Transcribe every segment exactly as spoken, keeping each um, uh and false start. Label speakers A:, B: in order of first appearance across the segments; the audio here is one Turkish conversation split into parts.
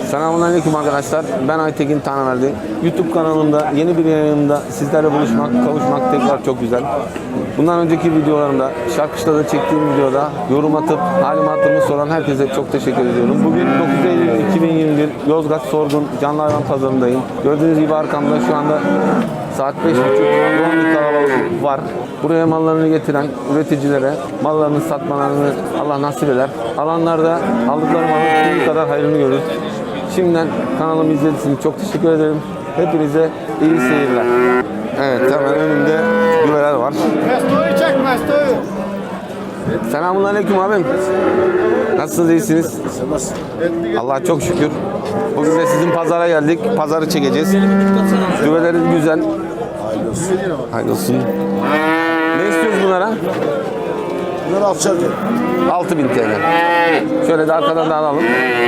A: Selamünaleyküm arkadaşlar. Ben Aytekin Tanrıverdi. YouTube kanalımda yeni bir yayınımda sizlerle buluşmak, kavuşmak tekrar çok güzel. Bundan önceki videolarımda, Şarkışla'da çektiğim videoda yorum atıp halimi hatırımı soran herkese çok teşekkür ediyorum. Bugün dokuz Eylül iki bin yirmi bir Yozgat Sorgun Canlı Hayvan Pazarı'ndayım. Gördüğünüz gibi arkamda şu anda saat beş buçuk, yoğun bir kalabalık var. Buraya mallarını getiren üreticilere mallarını satmalarını Allah nasip eder. Alanlarda aldıkları malın bir kadar hayrını görür. Şimdiden kanalımı izlediğiniz için çok teşekkür ederim. Hepinize iyi seyirler. Evet, hemen önümde güveler var.
B: Mestoyu çek, Mestoyu.
A: Selamünaleyküm abim. Nasılsınız, iyisiniz? Allah'a çok şükür. Bugün de sizin pazara geldik. Pazarı çekeceğiz. Güveleriniz güzel.
B: Hayırlı olsun.
A: Hayırlı olsun. Ne istiyoruz bunlara?
B: Bunlar alçak.
A: altı bin T L. Şöyle de arkadan da alalım.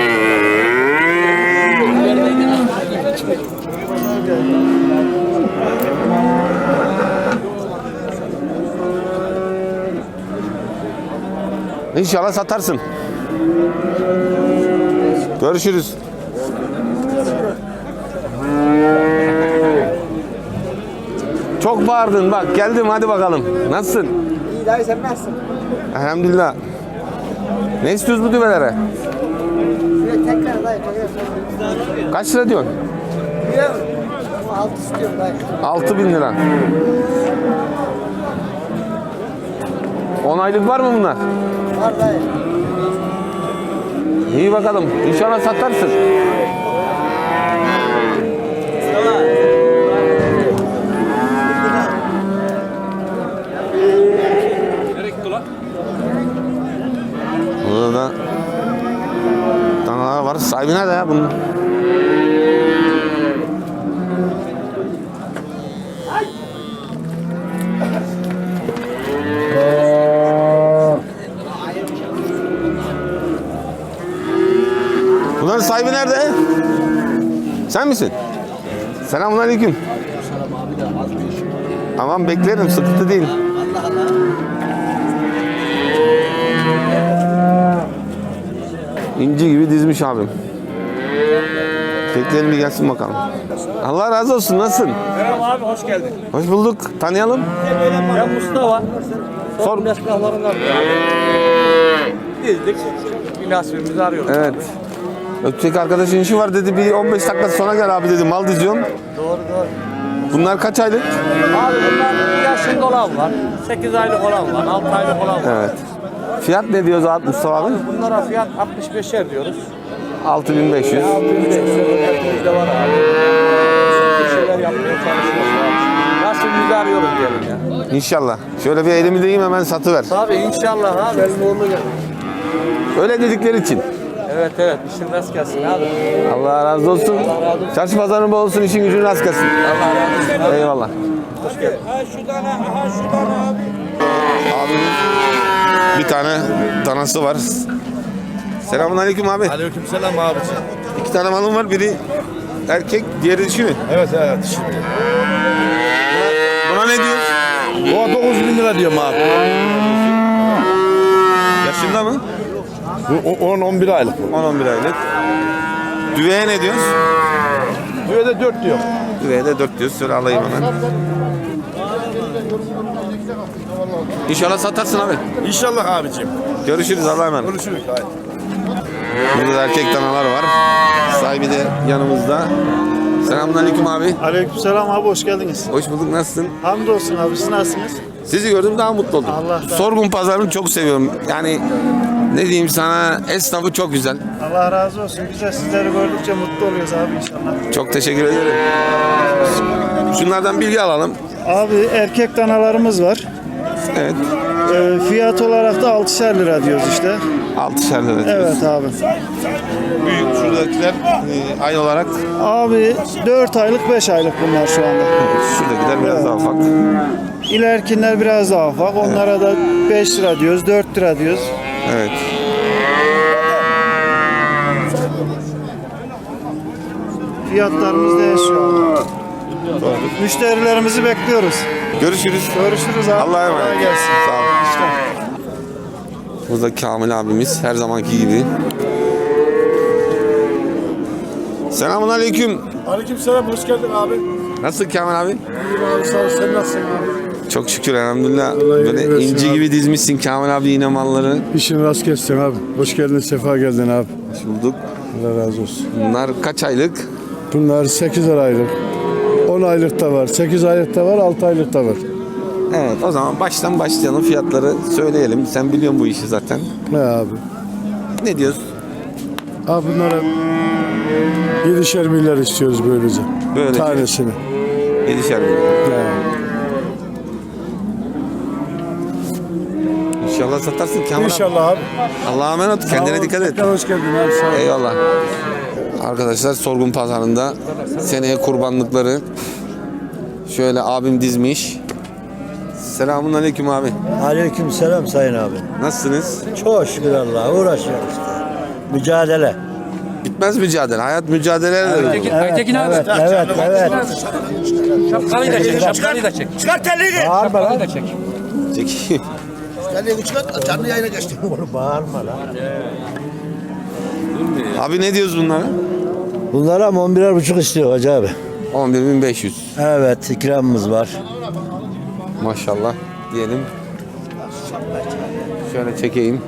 A: İnşallah satarsın. Görüşürüz. Çok bağırdın bak, geldim, hadi bakalım. Nasılsın?
B: İyi dayı, sen nasılsın?
A: Elhamdülillah. Ne istiyoruz bu düvelere?
B: Tekrar dayı.
A: Kaç lira diyorsun?
B: Biliyor musun? Altı istiyorum dayı.
A: altı bin lira. on aylık var mı bunlar?
B: Var dayı.
A: İyi bakalım. İnşallah satarsın. Burada da danalar var. Sahibi nerede ya bunun? Bunların sahibi nerede? Sen misin? Selamünaleyküm. Tamam, beklerim, sıkıntı değil. İnci gibi dizmiş abim. Bekleyelim bir gelsin bakalım. Allah razı olsun, nasılsın?
C: Merhaba abi, hoş geldin.
A: Hoş bulduk. Tanıyalım.
C: Ben Mustafa.
A: Sor.
C: Sorun yaşlarından dizdik. Bir nasibimizi arıyoruz.
A: Evet. Öteki arkadaşın işi var dedi. Bir on beş dakika sonra gel abi dedi. Mal diziyorum.
C: Doğru doğru.
A: Bunlar kaç aylık?
C: Abi bunlar yaşında olan var. sekiz aylık olan var. altı aylık olan var.
A: Evet. Fiyat ne diyoruz abi Mustafa abi?
C: Bunlara fiyat altmış beşer diyoruz.
A: altı bin beş yüz.
C: altı bin beş yüz de var abi. Bir şeyler yapmaya çalışıyoruz abi. Nasibimizi arıyoruz diyelim ya.
A: İnşallah. Şöyle bir elimi deyim, hemen satıver.
C: Tabii inşallah abi. Elin uğurlu gelir.
A: Öyle dedikleri için.
C: Evet evet. İşin rast gelsin abi.
A: Allah razı olsun. Çarşı pazarın bol olsun, işin gücün rast gelsin.
C: Allah razı olsun.
A: Eyvallah.
C: Ha şu tane, aha şu tane abi.
A: Abimin bir tane danası var. Selamünaleyküm abi.
D: Aleykümselam abicim.
A: İki tane malım var. Biri erkek, diğeri dişi mi?
D: Evet evet. Şimdi.
A: Buna ne diyor?
D: O dokuz bin lira diyorum abi.
A: Yaşında mı?
D: Bu on on bir aylık.
A: on on bir aylık. Düveye ne diyoruz?
D: Düve de dört diyor.
A: Düveye de dört diyoruz. Şöyle alayım hemen. İnşallah satarsın abi.
D: İnşallah abicim.
A: Görüşürüz, Allah'a emanet.
D: Görüşürüz. Haydi.
A: Burada da erkek danalar var. Sahibi de yanımızda. Selamünaleyküm abi.
E: Aleykümselam abi, hoş geldiniz.
A: Hoş bulduk, nasılsın?
E: Hamdolsun abi, siz nasılsınız?
A: Sizi gördüm, daha mutlu oldum.
E: Allah razı olsun.
A: Sorgun pazarını çok seviyorum. Yani ne diyeyim sana, esnafı çok güzel.
E: Allah razı olsun. Biz de sizleri gördükçe mutlu oluyoruz abi inşallah.
A: Çok teşekkür ederim. Şunlardan bilgi alalım.
E: Abi erkek danalarımız var.
A: Evet.
E: Ee, fiyat olarak da altışar lira diyoruz işte.
A: altışar lira diyoruz.
E: Evet abi.
A: Büyük şuradakiler e, aynı olarak.
E: Abi dört aylık beş aylık bunlar şu anda.
A: Şuradakiler biraz daha ufak.
E: İlerkinler biraz daha ufak. Onlara da beş lira diyoruz, dört lira diyoruz.
A: Evet.
E: Fiyatlarımız değişiyor. Müşterilerimizi bekliyoruz.
A: Görüşürüz.
E: Görüşürüz abi.
A: Allah'a emanet.
E: Kolay gelsin.
A: Sağ ol. Burada Kamil abimiz her zamanki gibi. Selamun aleyküm.
F: Aleykümselam, hoş geldin abi.
A: Nasılsın Kamil abi?
F: İyiyim abi, sağ ol. Sen nasılsın abi?
A: Çok şükür elhamdülillah.
F: iyilik
A: Böyle
F: versin
A: inci
F: abi.
A: gibi dizmişsin Kamil abi yine malları.
F: İşin rast kessin abi. Hoş geldin, sefa geldin abi.
A: Hoş bulduk.
F: Allah razı olsun.
A: Bunlar kaç aylık?
F: Bunlar sekiz aylık. on aylık da var, sekiz aylık da var, altı aylık da var.
A: Evet, o zaman baştan başlayalım, fiyatları söyleyelim. Sen biliyorsun bu işi zaten.
F: Ne abi?
A: Ne diyorsun?
F: Abi bunlara yedişer milyar istiyoruz böylece.
A: Böylece.
F: Tanesini.
A: Yedişer milyon.
F: Ya.
A: İnşallah satarsın Kamil abi.
F: İnşallah abi.
A: Allah'a emanet ol. Kendine dikkat et.
F: Tekrar hoş geldin abi, sağ ol.
A: Eyvallah. Arkadaşlar sorgun pazarında seneye kurbanlıkları şöyle abim dizmiş. Selamun aleyküm abi.
G: Aleyküm selam sayın abi.
A: Nasılsınız?
G: Çok şükür Allah'a uğraşıyoruz işte. Mücadele.
A: Bitmez mücadele. Hayat mücadeleyle de.
G: Evet, Aytekin abi. Evet, evet, evet.
C: Şapkalıyı da çek, şapkalıyı da çek.
G: Bağırma lan.
C: da çek.
A: Çekeyim.
G: Canlı yayına geçti. Bağırma lan.
A: Abi ne diyoruz bunlara?
G: Bunlara on birer buçuk istiyor hacı abi.
A: on bir bin beş yüz.
G: Evet, ikramımız var.
A: Maşallah diyelim. Şöyle çekeyim.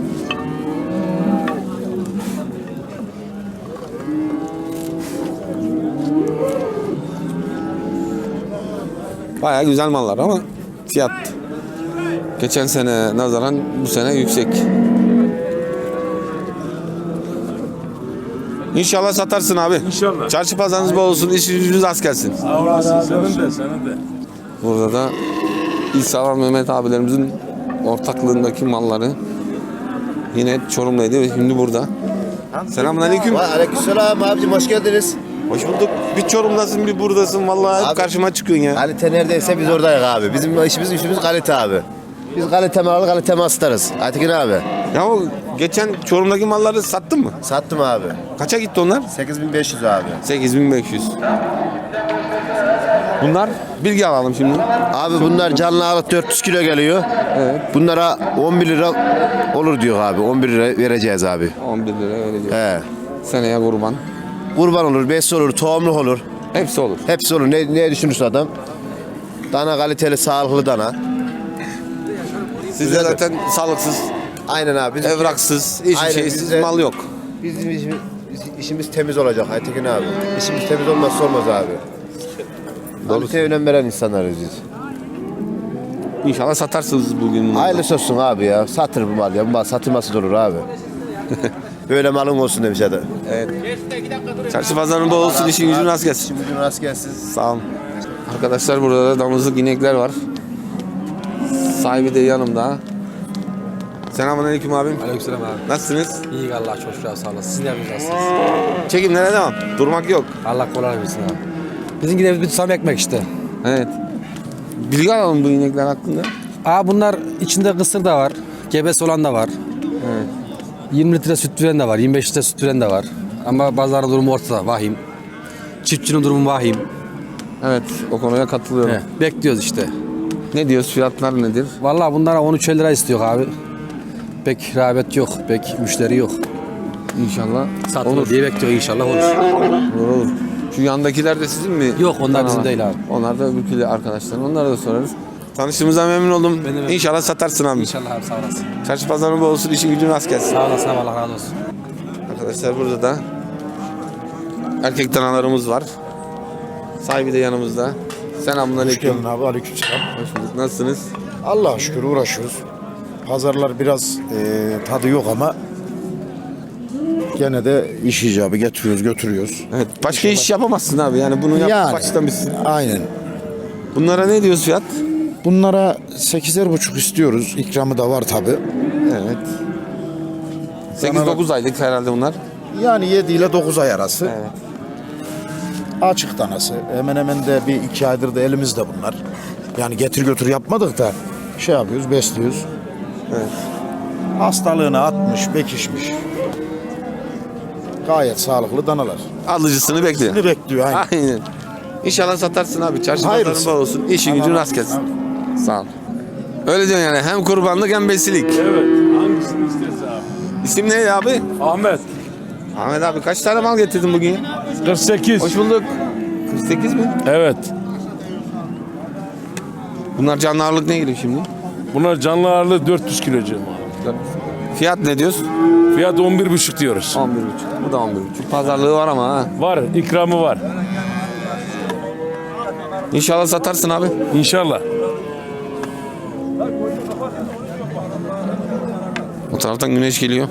A: Bayağı güzel mallar ama fiyat geçen sene nazaran bu sene yüksek. İnşallah satarsın abi.
D: İnşallah.
A: Çarşı pazarınız bol olsun, işiniz yüzünüz az gelsin.
D: Sağ olasın. Senin de, senin de.
A: Burada da İsa ve Mehmet abilerimizin ortaklığındaki malları yine Çorum'daydı ve şimdi burada. Selamünaleyküm.
H: Aleykümselam abicim, hoş geldiniz.
A: Hoş bulduk. Bir Çorum'dasın, bir buradasın. Vallahi
H: Abi-
A: karşıma çıkıyorsun ya.
H: Kalite neredeyse biz oradayız abi. Bizim işimiz işimiz kalite abi. Biz kalite malı kalite mal satarız. Aytekin abi.
A: Ya o geçen Çorum'daki malları sattın mı?
H: Sattım abi.
A: Kaça gitti onlar?
H: sekiz bin beş yüz abi.
A: sekiz bin beş yüz. Bunlar bilgi alalım şimdi.
H: Abi bunlar canlı alıp dört yüz kilo geliyor.
A: Evet.
H: Bunlara on bir lira olur diyor abi. on bir lira vereceğiz abi.
A: on bir lira öyle diyor.
H: He.
A: Seneye kurban.
H: Kurban olur, bes olur, tohumluk olur.
A: Hepsi olur.
H: Hepsi olur. Ne, ne düşünürse adam. Dana kaliteli, sağlıklı dana.
A: Sizde zaten sağlıksız,
H: Aynen abi. Bizim
A: evraksız, hiçbir
H: Aynen,
A: şeysiz
H: bizde-
A: mal yok.
H: Bizim işimiz, işimiz temiz olacak Aytekin abi. İşimiz temiz olmazsa olmaz abi. Kaliteye önem veren insanlarız biz.
A: İnşallah satarsınız bugün bunları.
H: Hayırlısı olsun abi ya. Satır bu mal ya. Bu mal satılması da olur abi. Böyle malın olsun demiş adam.
A: Çarşı pazarın bol olsun, işin gücün rast gelsin.
H: Şimdi bugün rast gelsin.
A: Sağ olun. Arkadaşlar burada da damızlık inekler var. Sahibi de yanımda. Selamünaleyküm abim.
C: Aleykümselam abi.
A: Nasılsınız?
C: İyi Allah çok şükür sağ olasın. Siz ne yapıyorsunuz?
A: Çekimlere devam. Durmak yok.
C: Allah kolay versin abi. Bizimki de bir tutam ekmek işte.
A: Evet. Bilgi alalım bu inekler hakkında.
C: Aa bunlar içinde kısır da var. Gebesi olan da var.
A: Evet.
C: yirmi litre süt veren de var. yirmi beş litre süt veren de var. Ama bazılarının durumu ortada. Vahim. Çiftçinin durumu vahim.
A: Evet, o konuya katılıyorum.
C: He, bekliyoruz işte.
A: Ne diyoruz? Fiyatlar nedir?
C: Vallahi bunlara on üç lira istiyor abi. Pek rağbet yok. Pek müşteri yok.
A: İnşallah
C: Satılır
A: olur.
C: diye bekliyor inşallah olur.
A: Olur olur. Şu yandakiler de sizin mi?
C: Yok, onlar
A: Tamam.
C: bizim değil abi.
A: Onlar da öbürküleri arkadaşlar. Onlara da sorarız. Tanıştığımıza memnun oldum.
C: Ben de memnun
A: İnşallah satarsın abi.
C: İnşallah abi sağ olasın.
A: Çarşı pazarın bol olsun, işin gücün rast gelsin.
C: Sağ olasın abi, Allah razı olsun.
A: Arkadaşlar burada da erkek danalarımız var. Sahibi de yanımızda. Selamünaleyküm.
F: Geldin abi, aleykümselam.
A: Hoş bulduk. Nasılsınız?
F: Allah'a şükür uğraşıyoruz. Pazarlar biraz e, tadı yok ama gene de iş icabı getiriyoruz, götürüyoruz.
A: Evet. Başka iş yapamazsın abi. Yani bunu yap
F: Yani.
A: baştan bitsin.
F: Aynen.
A: Bunlara ne diyoruz fiyat?
F: Bunlara sekizer buçuk istiyoruz. İkramı da var tabi.
A: Evet. sekiz dokuz aylık herhalde bunlar.
F: Yani yedi ile dokuz ay arası.
A: Evet.
F: Açık danası. Hemen hemen de bir iki aydır da elimizde bunlar. Yani getir götür yapmadık da şey yapıyoruz, besliyoruz.
A: Evet.
F: Hastalığını atmış, bekişmiş. Gayet sağlıklı danalar.
A: Alıcısını bekliyor.
F: Ne bekliyor aynen.
A: Aynen. İnşallah satarsın abi. Çarşı
F: Hayırlısı.
A: pazarın bol olsun. İşin gücün rast gelsin. Sağ ol. Öyle diyorsun yani. Hem kurbanlık hem besilik.
D: Evet. Hangisini istersen abi.
A: İsim neydi abi?
D: Ahmet.
A: Ahmet abi kaç tane mal getirdin bugün?
D: kırk sekiz.
A: Hoş bulduk. kırk sekiz mi?
D: Evet.
A: Bunlar canlı ağırlık ne giriyor şimdi?
D: Bunlar canlı ağırlığı dört yüz kilocu.
A: Fiyat ne diyorsun?
D: Fiyat on bir buçuk diyoruz.
A: on bir buçuk. Bu da on bir buçuk. Pazarlığı var ama ha.
D: Var, ikramı var.
A: İnşallah satarsın abi.
D: İnşallah.
A: O taraftan güneş geliyor.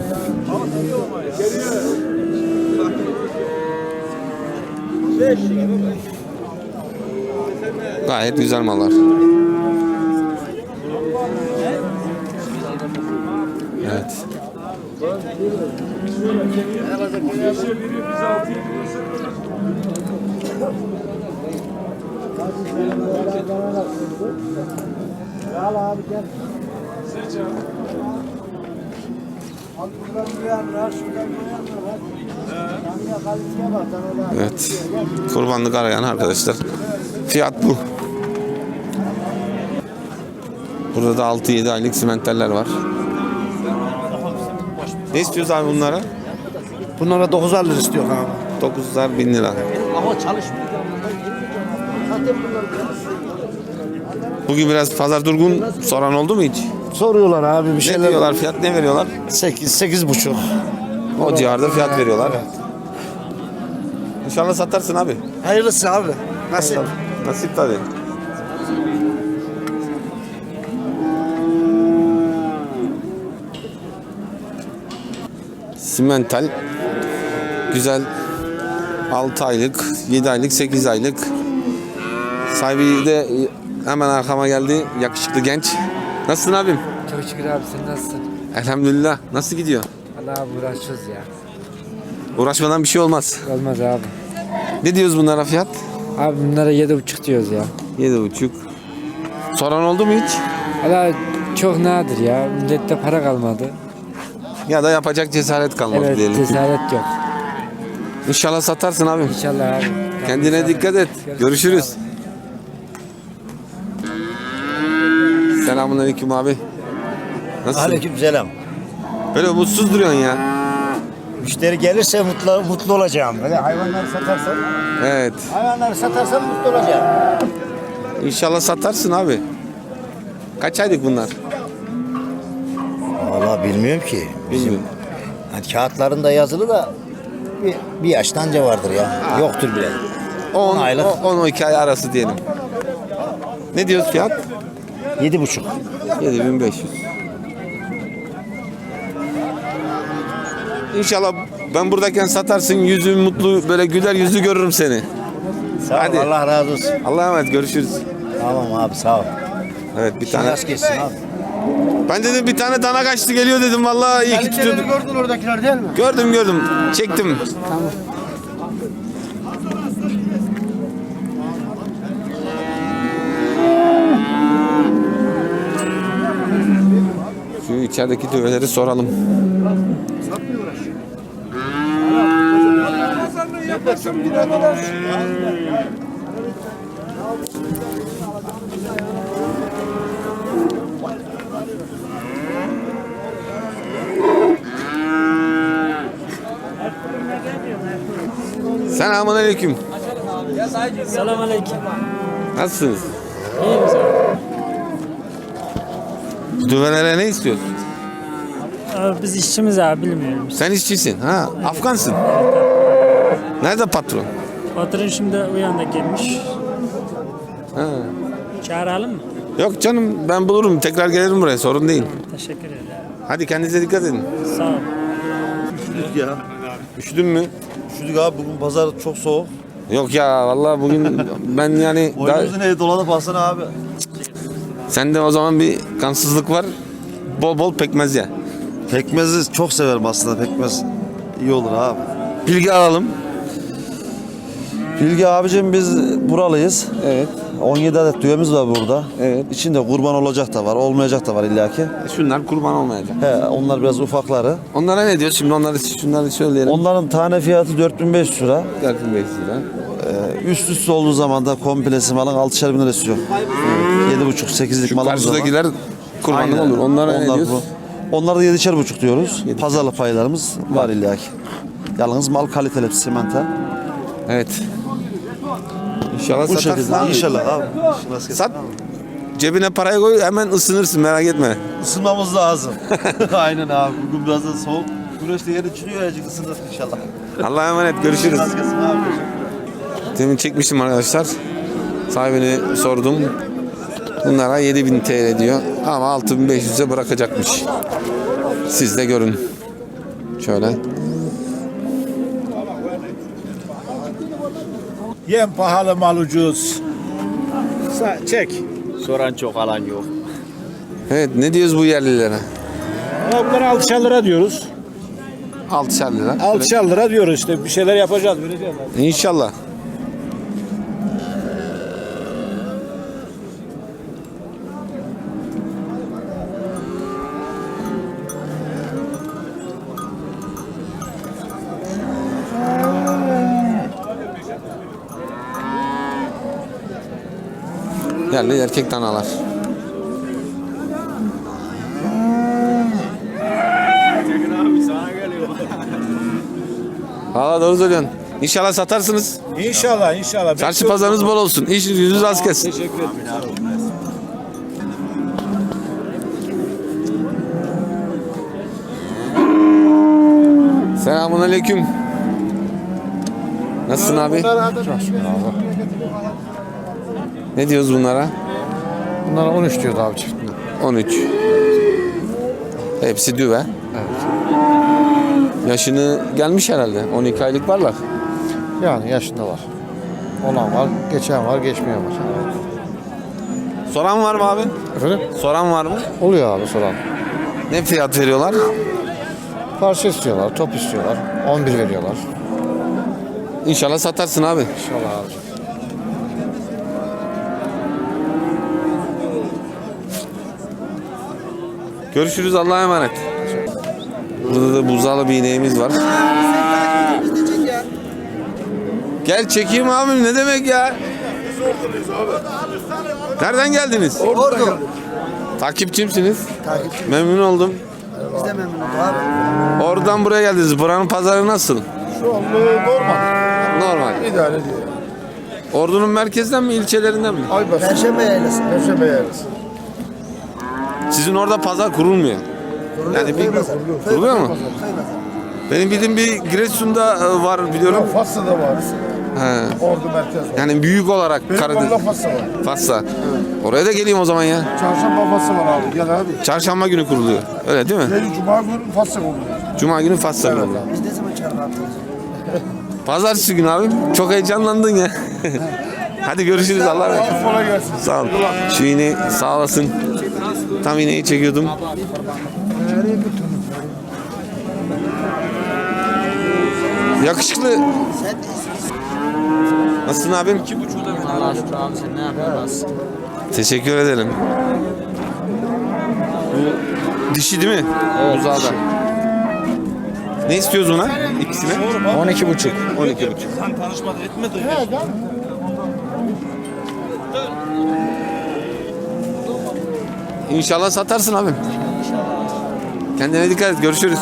A: Gayet güzel mallar. Evet. Evet. Kurbanlık arayan arkadaşlar. Fiyat bu. Burada da altı yedi aylık simentaller var. Ne istiyoruz abi bunlara?
F: Bunlara dokuzar lira istiyor abi.
A: dokuzlar bin lira.
B: Ama çalışmıyor. Zaten bunlar
A: Bugün biraz pazar durgun, soran oldu mu hiç?
F: Soruyorlar abi bir
A: Ne
F: şeyler.
A: diyorlar, fiyat ne veriyorlar?
F: sekiz, sekiz buçuk.
A: O civarda fiyat veriyorlar. İnşallah satarsın abi.
F: Hayırlısı abi. Nasıl?
A: Nasip tabii. Simental güzel altı aylık, yedi aylık, sekiz aylık. Sahibi de hemen arkama geldi. Yakışıklı genç. Nasılsın abim?
I: Çok şükür abi, sen nasılsın?
A: Elhamdülillah. Nasıl gidiyor?
I: Allah abi uğraşıyoruz ya.
A: Uğraşmadan bir şey olmaz.
I: Olmaz abi.
A: Ne diyoruz bunlara fiyat?
I: Abi bunlara yedi buçuk diyoruz ya.
A: Yedi buçuk. Soran oldu mu hiç?
I: Allah çok nadir ya. Millette para kalmadı.
A: Ya da yapacak cesaret kalmadı
I: Evet,
A: diyelim.
I: cesaret yok.
A: İnşallah satarsın abim.
I: İnşallah abi.
A: Kendine dikkat et. Görüşürüz. Selamünaleyküm abi. Nasılsın?
G: Aleykümselam.
A: Böyle mutsuz duruyorsun ya.
G: Müşteri gelirse mutlu mutlu olacağım. Böyle hayvanları satarsan,
A: Evet.
G: hayvanları satarsan mutlu olacağım.
A: İnşallah satarsın abi. Kaç aylık bunlar?
G: Vallahi bilmiyorum ki.
A: Bilmiyorum.
G: Hani kağıtlarında yazılı da bir, bir yaştan önce vardır ya. Yoktur bile.
A: on
G: aylık.
A: on on iki ay arası diyelim. Ne diyoruz fiyat?
G: Yedi buçuk.
A: yedi bin beş yüz. İnşallah ben buradayken satarsın, yüzün mutlu, böyle güler yüzlü görürüm seni.
G: Sağ ol,
A: Hadi.
G: Allah razı olsun.
A: Allah'a emanet, görüşürüz.
G: Tamam abi, sağ ol.
A: Evet, bir tane.
G: Rast geçsin abi.
A: Ben dedim bir tane dana kaçtı geliyor dedim, vallahi iyi ki tutuyordum.
B: gördün oradakiler değil mi?
A: Gördüm gördüm, çektim. Şu içerideki düveleri soralım. Selamünaleyküm.
I: Selamünaleyküm.
A: Nasılsınız? Düvelere ne istiyorsun?
I: Biz işçimiz abi, bilmiyorum.
A: Sen işçisin. Ha, Afgansın. Nerede patron?
I: Patron şimdi uyandı gelmiş.
A: Ha.
I: Çağıralım mı?
A: Yok canım, ben bulurum. Tekrar gelirim buraya. Sorun değil.
I: Teşekkür ederim.
A: Hadi kendinize dikkat edin.
I: Sağ ol.
F: Ya.
A: Üşüdün mü?
F: Üşüdük abi, bugün pazar çok soğuk.
A: Yok ya, vallahi bugün ben yani daha...
F: Boynumuzun evi dolanıp alsana abi.
A: Sende o zaman bir kansızlık var. Bol bol pekmez ya.
F: Pekmezi çok severim aslında, pekmez iyi olur abi.
A: Bilgi alalım.
J: Bilgi abicim, biz buralıyız.
A: Evet.
J: on yedi adet düğemiz var burada.
A: Evet.
J: İçinde kurban olacak da var, olmayacak da var illaki.
A: Şunlar kurban olmayacak.
J: He, onlar biraz ufakları.
A: Onlara ne diyor? Şimdi onları şunları söyleyelim.
J: Onların tane fiyatı dört bin beş yüz lira.
A: dört bin beş yüz lira.
J: Ee, üst üste olduğu zaman da komplesi malın altışar bin lira istiyor. yedi buçuk sekizlik
A: Şu
J: malımız var.
A: karşıdakiler kurbanlık
J: Aynen.
A: olur. Onlara ne
J: Onlar
A: diyoruz?
J: bu. Onları da yedişer buçuk diyoruz. Pazarlık paylarımız var illaki. Yalnız mal kaliteli simental.
A: Evet. İnşallah
J: Bu
A: satarsın
J: şekilde
A: abi.
J: inşallah abi.
A: Sat. Cebine parayı koy hemen ısınırsın merak etme.
J: Isınmamız lazım. Aynen abi. Bugün biraz da soğuk. Güneş de yeni çıkıyor ya ısınır inşallah.
A: Allah'a emanet görüşürüz.
J: Rast gelsin abi. Teşekkürler.
A: Demin çekmiştim arkadaşlar. Sahibine sordum. Bunlara yedi bin T L diyor ama altı bin beş yüze bırakacakmış. Siz de görün. Şöyle.
F: Yem pahalı, mal ucuz.
C: Çek. Soran çok, alan yok.
A: Evet ne diyoruz bu yerlilere?
C: Bunlara altışar lira diyoruz.
A: altışar lira.
C: altışar lira diyoruz işte. Bir şeyler yapacağız. Vereceğiz.
A: İnşallah. Yerli erkek danalar. Valla doğru söylüyorsun. İnşallah satarsınız.
C: İnşallah inşallah.
A: Çarşı pazarınız bol olsun. İş yüzünüz rast gelsin.
C: Teşekkür ederim abi.
A: Selamun aleyküm. Nasılsın abi? Ne diyoruz bunlara?
F: Bunlara on üç diyordu abi çiftine.
A: on üç. Hepsi düve. Yaşını gelmiş herhalde. on iki aylık varlar.
F: Yani yaşında var. Olan var, geçen var, geçmeyen var.
A: Soran var mı abi?
F: Efendim?
A: Soran var mı?
F: Oluyor abi soran.
A: Ne fiyat veriyorlar?
F: Parça istiyorlar, top istiyorlar. on bir veriyorlar.
A: İnşallah satarsın abi.
F: İnşallah abi.
A: Görüşürüz Allah'a emanet. Burada da buzalı bir ineğimiz var. Gel çekeyim abim ne demek ya? Nereden geldiniz?
B: Ordu.
A: Takipçimsiniz.
B: Takipçi.
A: Memnun oldum.
B: Biz de memnunuz abi.
A: Oradan buraya geldiniz. Buranın pazarı nasıl?
F: Şu an normal.
A: Normal.
F: İdare ediyor.
A: Ordu'nun merkezden mi ilçelerinden mi?
F: Aybası.
B: Perşembe yaylası.
F: Perşembe yarısı.
A: Sizin orada pazar kurulmuyor. Yani bir kuruluyor mu? Benim bildiğim bir Giresun'da e, var biliyorum.
F: Fassa'da var.
A: He.
F: Ordu merkez var.
A: Yani büyük olarak
F: Benim
A: Karadeniz.
F: orada Fassa var.
A: Fassa. Oraya da geleyim o zaman ya.
F: Çarşamba Fassa var abi. Gel abi.
A: Çarşamba günü kuruluyor. Öyle değil mi?
F: Gel Cuma günü Fassa oluyor.
A: Cuma günü Fassa kuruluyor.
B: Biz ne zaman çarpı atıyoruz?
A: Pazartesi günü abim. Çok heyecanlandın ya. Hadi görüşürüz Allah'a emanet.
F: Kolay gelsin.
A: Sağ ol. Şu ineği sağ olasın. Tam ineği çekiyordum. Yakışıklı. Nasılsın abim?
I: Allah şükür abi sen ne yapıyorsun?
A: Teşekkür ederim. Bu dişi değil mi? Evet. Buzağda. Ne istiyoruz buna? İkisine?
C: on iki buçuk.
A: on iki buçuk. İnşallah satarsın abim. Kendine dikkat et. Görüşürüz.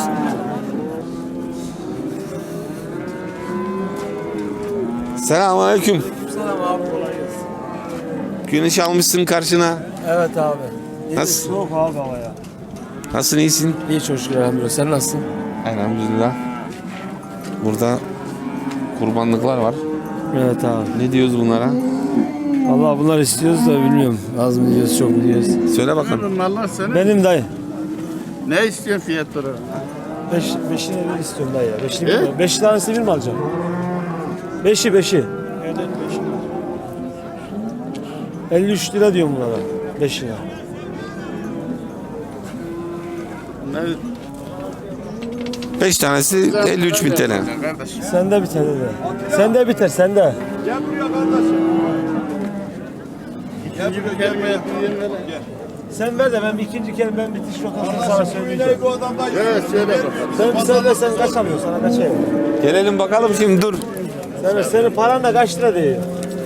A: Selamünaleyküm.
C: Selam abi kolay gelsin.
A: Güneş almışsın karşına.
C: Evet abi.
A: Nasıl?
C: Soğuk abi havaya.
A: Nasılsın, iyisin?
C: İyi çok şükür elhamdülillah. Sen nasılsın?
A: Elhamdülillah. Burada kurbanlıklar var.
C: Evet abi.
A: Ne diyoruz bunlara?
C: Allah bunlar istiyoruz da bilmiyorum. Az mı diyoruz çok mu diyoruz.
A: Söyle bakalım.
F: Mallar senin.
C: Benim dayı.
F: Ne istiyorsun fiyatları?
C: Beş, beşini bir istiyorum dayı ya. Beşini bir, beş tanesini bir mi alacağım? Beşi beşi. Evet beşi. elli üç lira diyorum bunlara. Beşine.
A: Beş tanesi elli üç bin T L.
C: Sende biter de. Sende biter sende.
F: İkinci bir kelime
C: Sen ver de ben bir ikinci kere ben bitiş rotasını sana söyleyeceğim.
F: Evet söyle bakalım.
C: Sen, sen de sen kaç alıyorsun sana kaç ayır?
A: Gelelim bakalım şimdi dur.
C: Sen, senin paran da kaç lira diyor?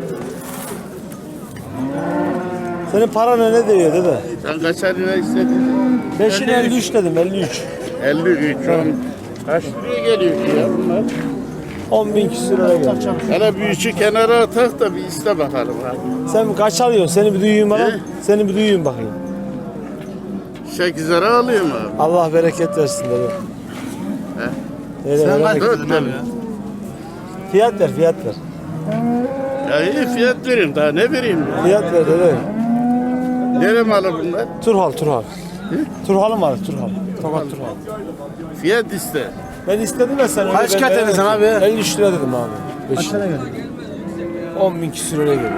C: Senin paran ne diyor dede?
F: Sen kaç lira istedin?
C: Beşini elli üç dedim elli üç.
F: elli üç.
C: Kaç liraya geliyor ki ya bunlar? on bin küsür lira geliyor. Hele büyücü kenara atak da bir iste bakalım abi. Sen kaç alıyorsun? Seni bir duyayım bana. Seni bir duyayım bakayım. sekiz lira alayım abi. Allah bereket versin dedi. He? Sen kaç dört abi ya? Fiyat ver, fiyat ver. Ya iyi fiyat vereyim, daha ne vereyim ya? Fiyat ver dedi. Nere malı bunlar? Turhal, Turhal. Turhal'ın malı, Turhal. Tokat Turhal. Fiyat iste. Ben istedim ya sen. Kaç kat edin abi? elli üç lira dedim abi. Kaç lira geldi? on bin küsür lira geldi.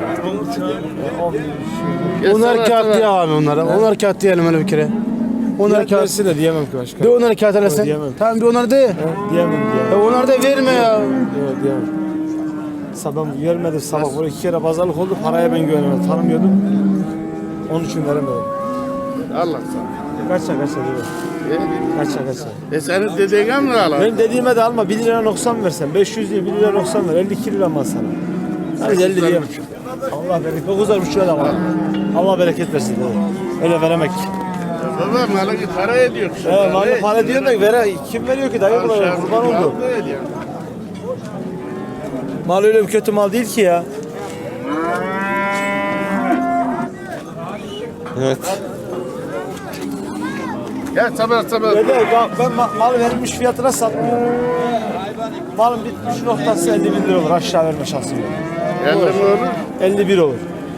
E: Onlar kağıt diye abi onlara. Onlar kağıt diyelim öyle bir kere.
C: Onlar kağıt de diyemem ki başka.
E: De onları kağıt arasın.
C: Diyemem.
E: Tamam bir onları de.
C: Diyemem, diyemem.
E: E onları da verme ya.
C: Yok diyemem. Sabah vermedi sabah. Böyle iki kere pazarlık oldu. Paraya ben güvenemedim. Tanımıyordum. Onun için veremedim. Allah sana. Kaça kaça diyor. Kaça kaça. E senin dediğine mi alalım? Benim dediğime de alma. bir lira noksan versen. beş yüz değil bir lira noksan ver. elli iki lira mal sana. Hadi elli diyeyim. Allah bereket. dokuzlar buçuk lira var. Allah bereket versin dedi. Öyle veremek. Baba malı para ediyor. Evet malı para ediyor da vere, kim veriyor ki dayı buna kurban oldu. Mal öyle bir kötü mal değil ki ya.
A: Evet.
C: Ya sabır sabır. Dede, ben ma- mal verilmiş fiyatına satmıyorum. Malın bitmiş noktası elli bin lira olur. Aşağı verme şansım yok. elli mi olur? elli bir olur.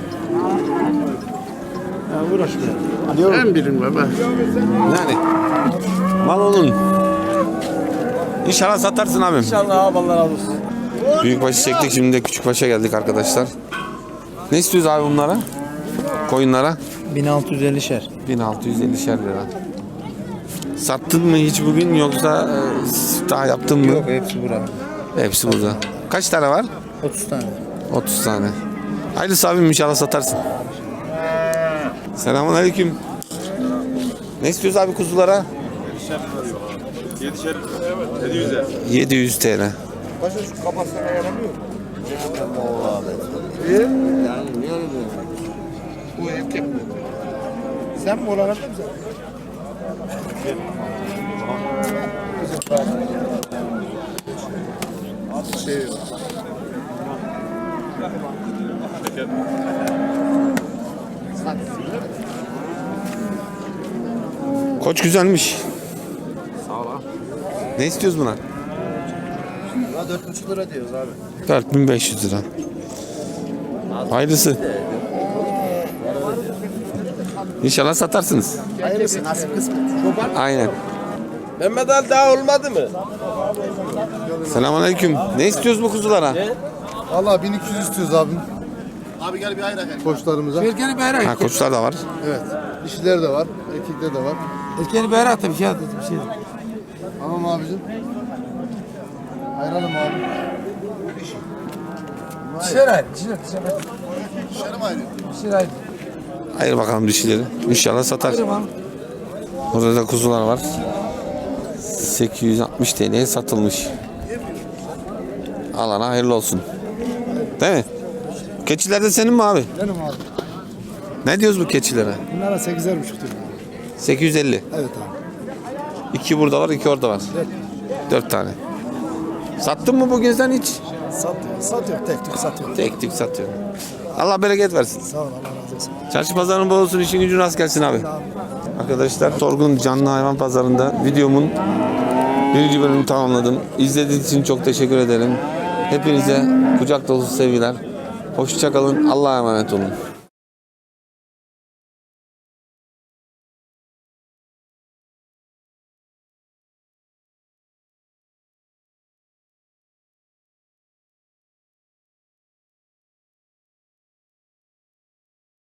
C: Ya uğraşmıyor. Ben birim baba.
A: Yani mal onun. İnşallah satarsın abim.
C: İnşallah abi Allah razı olsun.
A: Büyükbaşı çektik, şimdi de küçükbaşa geldik arkadaşlar. Ne istiyoruz abi bunlara? Koyunlara?
E: bin altı yüz elli şer.
A: bin altı yüz ellişer lira. Sattın mı hiç bugün yoksa e, daha yaptın mı?
E: Yok hepsi burada.
A: Hepsi burada. Kaç tane var?
E: otuz tane.
A: otuz tane. Hayırlısı abim, inşallah satarsın. Selamun aleyküm. Ne istiyoruz abi kuzulara? yedi yüz T L.
C: Başka şu kafasına yaramıyor. Bu erkek mi? Sen mi olanı mı sen? Şey
A: Koç güzelmiş. Sağ ol. Ne istiyoruz buna?
B: dört buçuk lira diyoruz abi.
A: dört bin beş yüz lira. Hayırlısı. İnşallah satarsınız.
B: Hayırlısı nasip kısmet.
A: Aynen.
C: Mehmet Ali daha olmadı mı?
A: Selamünaleyküm. Ne istiyoruz bu kuzulara?
H: Valla bin iki yüz istiyoruz abim. Abi gel bir ayrak. Koçlarımıza.
C: Erkeğini bayrak.
A: Ha, koçlar da var.
H: Evet. Dişiler de var. Erkekler de var.
C: Erkeğini bayrak da bir şey dedim bir şey.
H: Tamam abicim. Ayıralım abi.
C: Dişler ayrı, dişler, dişler.
H: Dişleri mi ayırıyor?
C: Dişler ayrı.
A: Hayır bakalım dişileri. İnşallah satar. Burada da kuzular var. sekiz yüz altmış T L'ye satılmış. Alana hayırlı olsun. Değil mi? Keçiler de senin mi abi?
B: Benim abi.
A: Ne diyoruz bu keçilere?
B: Bunlara sekizer buçuk diyorum abi.
A: sekiz yüz elli.
B: Evet abi.
A: İki burada var, iki orada var. Dört tane. Sattın mı bugün sen hiç?
B: Satıyor. Satıyor. Tek tük satıyor.
A: Tek tük satıyor. Allah bereket versin.
B: Sağ ol Allah razı olsun.
A: Çarşı pazarın bol olsun, işin gücün rast gelsin abi. Arkadaşlar Sorgun Canlı Hayvan Pazarı'nda videomun birinci bölümünü tamamladım. İzlediğiniz için çok teşekkür ederim. Hepinize kucak dolusu sevgiler. Hoşça kalın. Allah'a emanet olun.